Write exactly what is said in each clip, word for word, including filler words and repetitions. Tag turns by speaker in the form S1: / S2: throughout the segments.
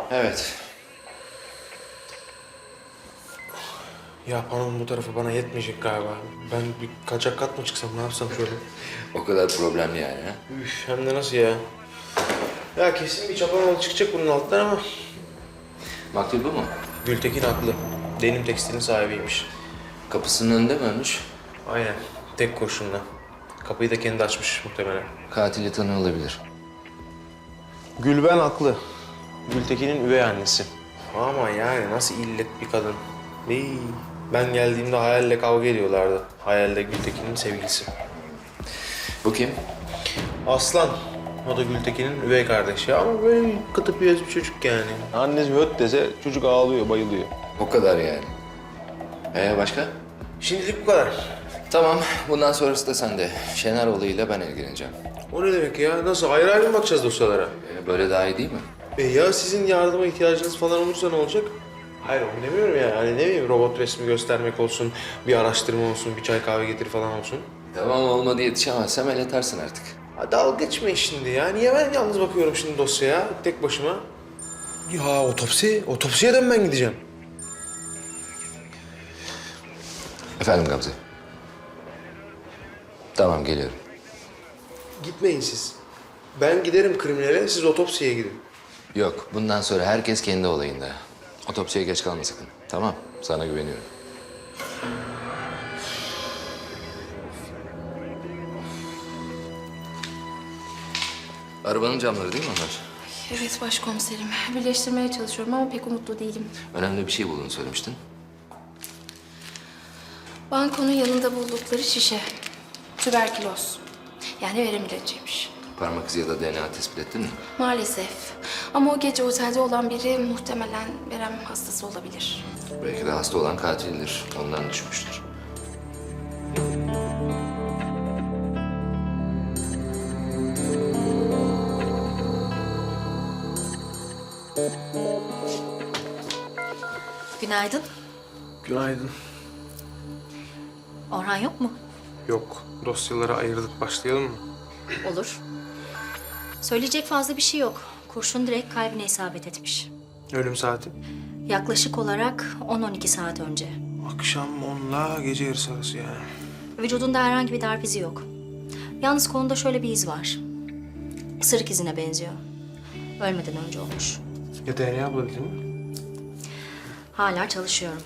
S1: Evet.
S2: Ya panon bu tarafı bana yetmeyecek galiba. Ben bir kaçak kat mı çıksam, ne yapsam şöyle?
S1: O kadar problemli yani ha?
S2: Üf, hem de nasıl ya? Ya kesin bir çapanoğlu çıkacak bunun altından ama...
S1: Maktul bu mu?
S2: Gültekin haklı. Denim tekstilin sahibiymiş.
S1: Kapısının önünde mi ölmüş?
S2: Aynen. Tek kurşunla. Kapıyı da kendi açmış muhtemelen.
S1: Katili tanıyor olabilir.
S2: Gülben haklı. Gültekin'in üvey annesi. Ama yani nasıl illet bir kadın. Ey, ben geldiğimde Hayal'le kavga ediyorlardı. Hayal de Gültekin'in sevgilisi.
S1: Bu kim?
S2: Aslan. O da Gültekin'in üvey kardeşi ama böyle kıtıp yüz bir çocuk yani. Annesi höt dese çocuk ağlıyor, bayılıyor.
S1: O kadar yani. Ee başka?
S2: Şimdilik bu kadar.
S1: Tamam, bundan sonrası da sende. Şener olayıyla ben ilgileneceğim.
S2: O ne demek ya? Nasıl? Ayrı ayrı mı bakacağız dosyalara?
S1: Ee, böyle daha iyi değil mi?
S2: E ya sizin yardıma ihtiyacınız falan olursa ne olacak? Hayır onu demiyorum ya. Hani ne bileyim robot resmi göstermek olsun, bir araştırma olsun, bir çay kahve getir falan olsun.
S1: Tamam, olmadı yetişemezsem el atarsın artık.
S2: Ha, dalga geçme şimdi ya. Niye ben yalnız bakıyorum şimdi dosyaya tek başıma? Ya otopsi, otopsiye de mi ben gideceğim?
S1: Efendim Gamze? Tamam, geliyorum.
S2: Gitmeyin siz. Ben giderim kriminale, siz otopsiye gidin.
S1: Yok, bundan sonra herkes kendi olayında. Otopsiye geç kalma sakın. Tamam, sana güveniyorum. Arabanın camları değil mi onlar?
S3: Evet başkomiserim. Birleştirmeye çalışıyorum ama pek umutlu değilim.
S1: Önemli bir şey bulduğunu söylemiştin.
S3: Bankonun yanında buldukları şişe. Tüberküloz. Yani verem ilacıymış.
S1: Parmak izi ya da D N A tespit ettin mi?
S3: Maalesef. Ama o gece otelde olan biri muhtemelen verem hastası olabilir.
S1: Belki de hasta olan katildir. Ondan düşmüştür.
S4: Günaydın.
S2: Günaydın.
S4: Orhan yok mu?
S2: Yok, dosyaları ayırdık. Başlayalım mı?
S4: Olur. Söyleyecek fazla bir şey yok. Kurşun direkt kalbine isabet etmiş.
S2: Ölüm saati?
S4: Yaklaşık olarak on on iki saat önce.
S2: Akşam onla gece yarısı arası yani.
S4: Vücudunda herhangi bir darp izi yok. Yalnız kolunda şöyle bir iz var. Isırık izine benziyor. Ölmeden önce olmuş.
S2: Ya D N A bulabildin mi?
S4: Hala çalışıyorum.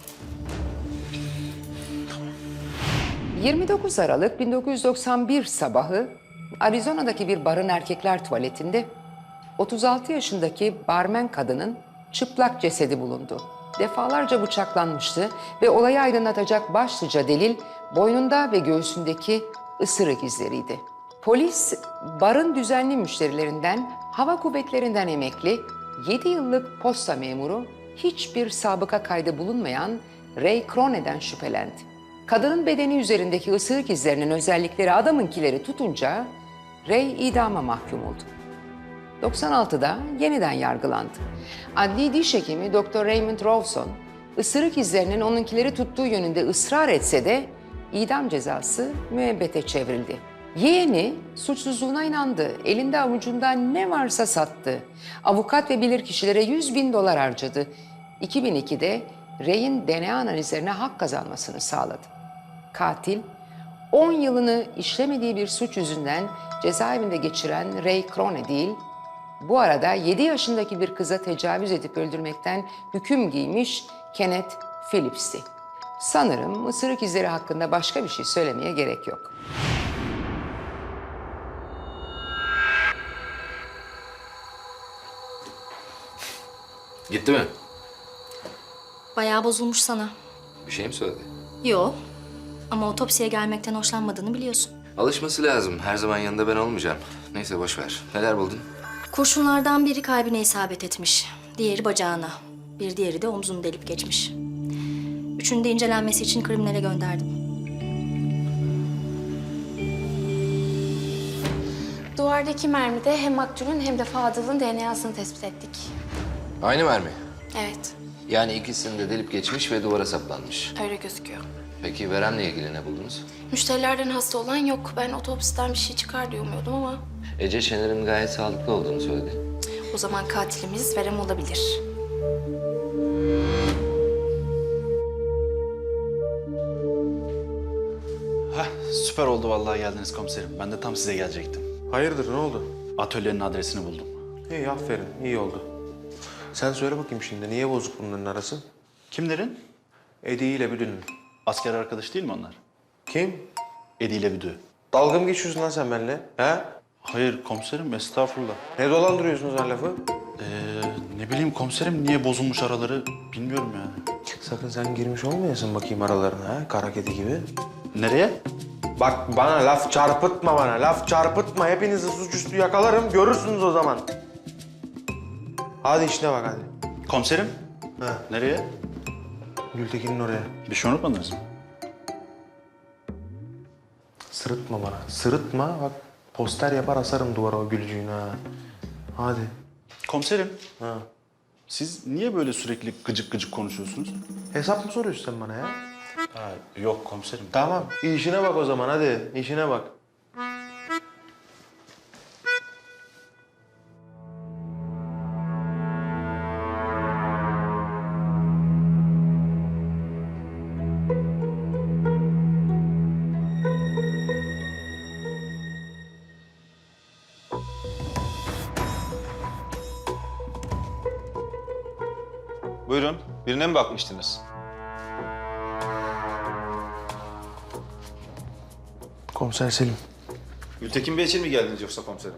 S5: yirmi dokuz Aralık bin dokuz yüz doksan bir sabahı Arizona'daki bir barın erkekler tuvaletinde otuz altı yaşındaki barmen kadının çıplak cesedi bulundu. Defalarca bıçaklanmıştı ve olayı aydınlatacak başlıca delil boynunda ve göğsündeki ısırık izleriydi. Polis, barın düzenli müşterilerinden, hava kuvvetlerinden emekli, yedi yıllık posta memuru, hiçbir sabıka kaydı bulunmayan Ray Crone'den şüphelendi. Kadının bedeni üzerindeki ısırık izlerinin özellikleri adamınkileri tutunca Ray idama mahkum oldu. doksan altıda yeniden yargılandı. Adli diş hekimi doktor Raymond Rawson, ısırık izlerinin onunkileri tuttuğu yönünde ısrar etse de idam cezası müebbete çevrildi. Yeğeni suçsuzluğuna inandı, elinde avucunda ne varsa sattı. Avukat ve bilirkişilere yüz bin dolar harcadı. iki bin ikide Ray'in D N A analizlerine hak kazanmasını sağladı. Katil, on yılını işlemediği bir suç yüzünden cezaevinde geçiren Ray Crone değil, bu arada yedi yaşındaki bir kıza tecavüz edip öldürmekten hüküm giymiş Kenneth Phillips'ti. Sanırım ısırık izleri hakkında başka bir şey söylemeye gerek yok.
S1: Gitti mi?
S4: Bayağı bozulmuş sana.
S1: Bir şey mi söyledi?
S4: Yo. Ama otopsiye gelmekten hoşlanmadığını biliyorsun.
S1: Alışması lazım. Her zaman yanında ben olmayacağım. Neyse boş ver. Neler buldun?
S4: Kurşunlardan biri kalbine isabet etmiş. Diğeri bacağına. Bir diğeri de omzunu delip geçmiş. Üçünü de incelenmesi için kriminale gönderdim.
S3: Duvardaki mermide hem maktulün hem de Fadıl'ın D N A'sını tespit ettik.
S1: Aynı mermi.
S3: Evet,
S1: Yani ikisini de delip geçmiş ve duvara saplanmış.
S3: öyle gözüküyor.
S1: Peki veremle ilgili ne buldunuz?
S3: Müşterilerden hasta olan yok. Ben otopsiden bir şey çıkar diye umuyordum ama...
S1: Ece Şener'in gayet sağlıklı olduğunu söyledi.
S3: O zaman katilimiz verem olabilir.
S6: Heh, süper oldu vallahi geldiniz komiserim. Ben de tam size gelecektim.
S2: Hayırdır, ne oldu?
S6: Atölyenin adresini buldum.
S2: İyi, aferin. İyi oldu. Sen söyle bakayım şimdi, niye bozuk bunların arası?
S6: Kimlerin?
S2: Edi ile Büdü'nün.
S6: Asker arkadaş değil mi onlar?
S2: Kim?
S6: Edi ile Büdü.
S2: Dalga mı geçiyorsun lan sen benimle? He?
S6: Hayır komiserim, estağfurullah.
S2: Ne dolandırıyorsunuz her lafı?
S6: Ee, ne bileyim komiserim, niye bozulmuş araları bilmiyorum yani.
S2: Sakın sen girmiş olmayasın bakayım aralarına, ha? Kara kedi gibi.
S6: Nereye?
S2: Bak bana laf çarpıtma bana, laf çarpıtma. Hepinizi suçüstü yakalarım, görürsünüz o zaman. Hadi işine bak hadi.
S6: Komiserim?
S2: Ha.
S6: Nereye?
S2: Gültekin'in oraya.
S6: Bir şey unutmadınız mı?
S2: Sırıtma bana, sırıtma. Bak poster yapar asarım duvara o gülcüğünü ha. Hadi.
S6: Komiserim,
S2: Ha.
S6: siz niye böyle sürekli gıcık gıcık konuşuyorsunuz?
S2: Hesap mı soruyorsun sen bana ya?
S6: Ha, yok komiserim.
S2: Tamam, işine bak o zaman hadi, işine bak.
S7: Buyurun. Birine mi bakmıştınız?
S2: Komiser Selim,
S7: Gültekin Bey için mi geldiniz yoksa komiserim?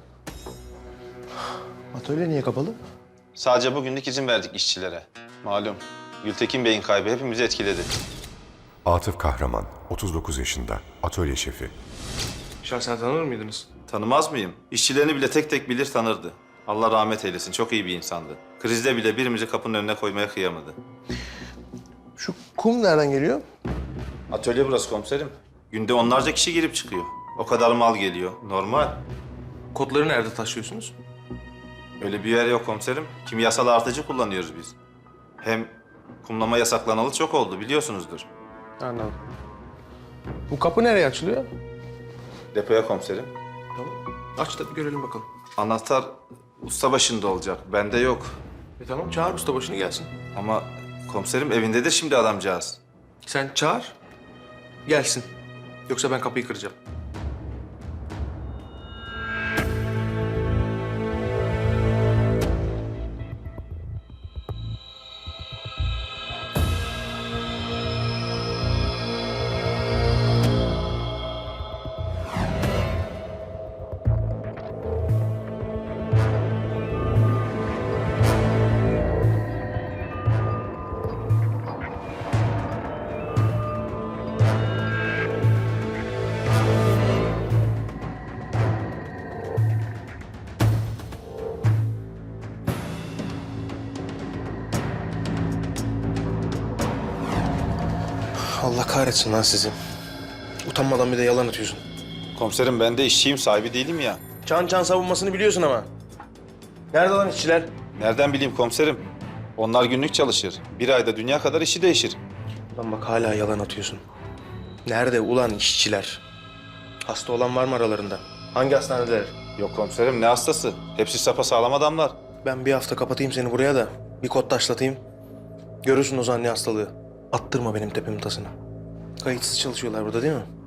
S2: atölye niye kapalı?
S7: Sadece bugünlük izin verdik işçilere. Malum Gültekin Bey'in kaybı hepimizi etkiledi.
S8: Atıf Kahraman, otuz dokuz yaşında, atölye şefi.
S2: Şahsen tanır mıydınız?
S7: Tanımaz mıyım? İşçilerini bile tek tek bilir tanırdı. Allah rahmet eylesin. Çok iyi bir insandı. Krizde bile birimizi kapının önüne koymaya kıyamadı.
S2: Şu kum nereden geliyor?
S7: Atölye burası komiserim. Günde onlarca kişi girip çıkıyor. O kadar mal geliyor. Normal.
S2: Kodları nerede taşıyorsunuz?
S7: Öyle bir yer yok komiserim. Kimyasal artıcı kullanıyoruz biz. Hem kumlama yasaklanalı çok oldu biliyorsunuzdur.
S2: Anladım. Bu kapı nereye açılıyor?
S7: Depoya komiserim.
S2: Tamam. Aç da bir görelim bakalım.
S7: Anahtar usta başında olacak. Bende yok.
S2: E tamam, çağır ustabaşını gelsin.
S7: Ama komiserim evindedir şimdi adamcağız.
S2: Sen çağır, gelsin. Yoksa ben kapıyı kıracağım. Allah kahretsin lan sizi. Utanmadan bir de yalan atıyorsun.
S7: Komiserim ben de işçiyim, sahibi değilim ya.
S2: Çan çan savunmasını biliyorsun ama. Nerede lan işçiler?
S7: Nereden bileyim komiserim? Onlar günlük çalışır. Bir ayda dünya kadar işi değişir.
S2: Lan bak hala yalan atıyorsun. Nerede ulan işçiler? Hasta olan var mı aralarında? Hangi hastanedeler?
S7: Yok komiserim ne hastası? Hepsi sapasağlam adamlar.
S2: Ben bir hafta kapatayım seni buraya da bir kod taşlatayım. Görürsün o zaman ne hastalığı. Attırma benim tepemin tasını. Kayıtsız çalışıyorlar burada değil mi?